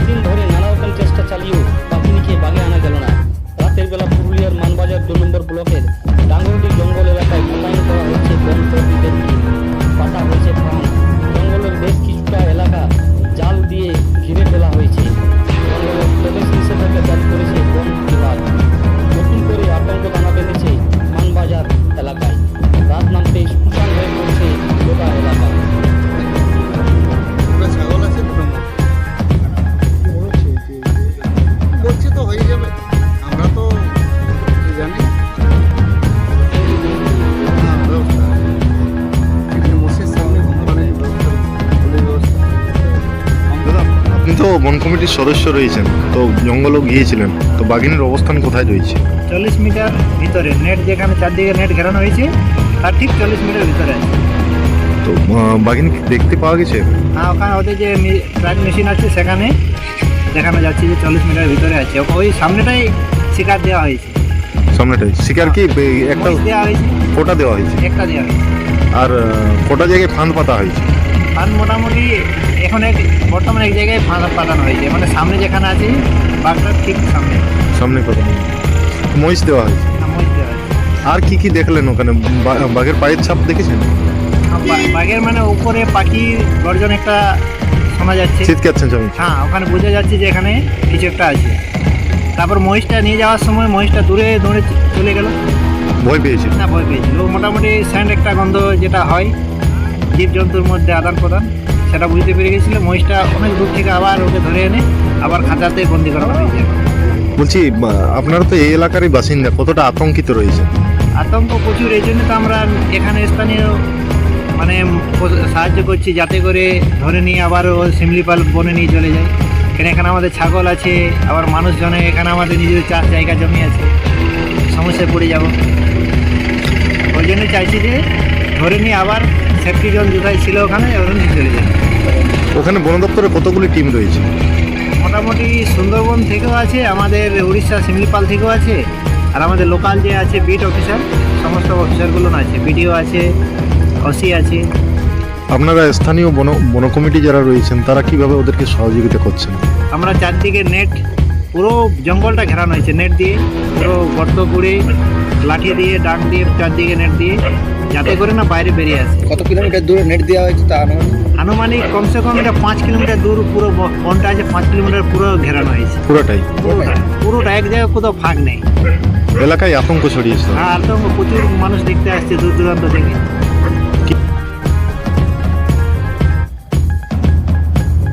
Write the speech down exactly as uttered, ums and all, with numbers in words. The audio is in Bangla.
দিন ধরে নানা রকম চেষ্টা চালিয়েও পাখিনিকে বাগে আনা গেল না। রাতের বেলা পুরুলিয়ার মানবাজার দু নম্বর ব্লকের ডাঙ্গরডি জঙ্গল এলাকায় মোতায়েন করা হচ্ছে বন কর্মীদেরকে। পাতা হয়েছে ফাঁদ, জঙ্গলের বেশ কিছুটা এলাকা জাল দিয়ে ঘিরে ফেলা হয়েছে। জঙ্গলের প্রবেশ নিষেধাজ্ঞা জারি করেছে বন বিভাগ। নতুন করে আতঙ্ক দানা বেঁধেছে মানবাজার এলাকায়। রাত নামতেই শুনশান হয়ে পড়ছে গোটা এলাকা। ছাগল আছে বলছে তো হয়ে যাবে, আমরা তো জানি আপনি তো বন কমিটির সদস্য রয়েছেন, তো জঙ্গলও গিয়েছিলেন, তো বাঘিনীর অবস্থান কোথায় রয়েছে? চল্লিশ মিটার ভিতরে নেট, যেখানে চারদিকে নেট ঘেরানো হয়েছে তার ঠিক চল্লিশ মিটার ভিতরে আছে। তো আহ, বাঘিনী দেখতে পাওয়া গেছে? হ্যাঁ, ওখানে ওদের যে ট্র্যাক মেশিন আছে সেখানে দেখানো যাচ্ছে যে চল্লিশ মিটার ভিতরে আছে। ওই সামনেটাই শিকার দেওয়া হয়েছে। সামনেটাই শিকার কি বে- একটা মহিষ দেওয়া হয়েছে, ফোটা দেওয়া হয়েছে, একটা দেওয়া হয়েছে। আর আহ, ফোটা জায়গায় ফাঁদ পাতা হয়েছে। ফাঁদ মোটামুটি এখন এক বর্তমানে এক জায়গায় ফাঁদ পাতানো হয়েছে, মানে সামনে যেখানে আছে বাঘটার ঠিক সামনে সামনে পাতা মহিষ দেওয়া হয়েছে। হ্যাঁ, মহিষ দেওয়া হয়েছে। আর কি কি দেখলেন ওখানে? বা- বাঘের পায়ের ছাপ দেখেছেন? হ্যাঁ, বা- বাঘের মানে উপরে পাখি গর্জন একটা শোনা যাচ্ছে। চিৎকারছেন সবাই? হ্যাঁ, ওখানে বোঝা যাচ্ছে যে এখানে কিছু একটা আছে। তারপর মহিষটা নিয়ে যাওয়ার সময় মহিষটা দূরে দৌড়ে চলে গেল। ভয় পেয়েছে? না, ভয় পেয়েছিল। ও মোটামুটি স্যান্ড একটা গন্ধ যেটা হয় জীবজন্তুর মধ্যে আদান প্রদান, সেটা বুঝতে পেরে গেছিল। মহিষটা অনেক দূর থেকে আবার ওকে ধরে এনে আবার খাঁচাতে বন্দি করা হয়েছে। বলছি বা- আপনারা তো এই এলাকারই বাসিন্দা, কতটা আতঙ্কিত রয়েছে? আতঙ্ক প্রচুর, এই জন্য তো আমরা এখানে স্থানীয় মানে সাহায্য করছি যাতে করে ধরে নিয়ে আবার ও শিমলিপাল বনে নিয়ে চলে যায়। কেন এখানে আমাদের ছাগল আছে, আবার মানুষজনে এখানে আমাদের নিজেদের চাষ জায়গা জমি আছে, সমস্যায় পড়ে যাব। ওই জন্য চাইছি যে ধরে নিয়ে আবার সেফটি জোন যেটাই ছিল ওখানে ওখানে নিয়ে চলে যায়। ওখানে বন দপ্তরে কতগুলি টিম রয়েছে? মোটামুটি সুন্দরবন থেকেও আছে, আমাদের উড়িষ্যা শিমলিপাল থেকেও আছে, আর আমাদের লোকাল যে আছে বিট অফিসার, সমস্ত অফিসারগুলো আছে, বিডিও আছে, ওসি আছে। আপনারা স্থানীয় বন বন কমিটি যারা রয়েছেন তারা কিভাবে ওদেরকে সহযোগিতা করছেন? আমরা চারদিকে নেট, পুরো জঙ্গলটা ঘেরানো হয়েছে নেট দিয়ে, পুরো গর্ত করে লাঠি দিয়ে ডাক দিয়ে চারদিকে নেট দিয়ে, যাতে করে না বাইরে বেরিয়ে আসে। কত কিলোমিটার দূরে নেট দেওয়া হয়েছে তা আনুমানিক? আনুমানিক কমসে কম এটা পাঁচ কিলোমিটার দূর পুরো ব- বনটা আছে, পাঁচ কিলোমিটার পুরো ঘেরানো হয়েছে। পুরোটাই পুরোটা পুরোটা এক জায়গায় কোথাও ফাঁক নেই। এলাকায় আতঙ্ক ছড়িয়েছে। আর তো প্রচুর মানুষ দেখতে আসছে দূর দূরান্ত থেকে।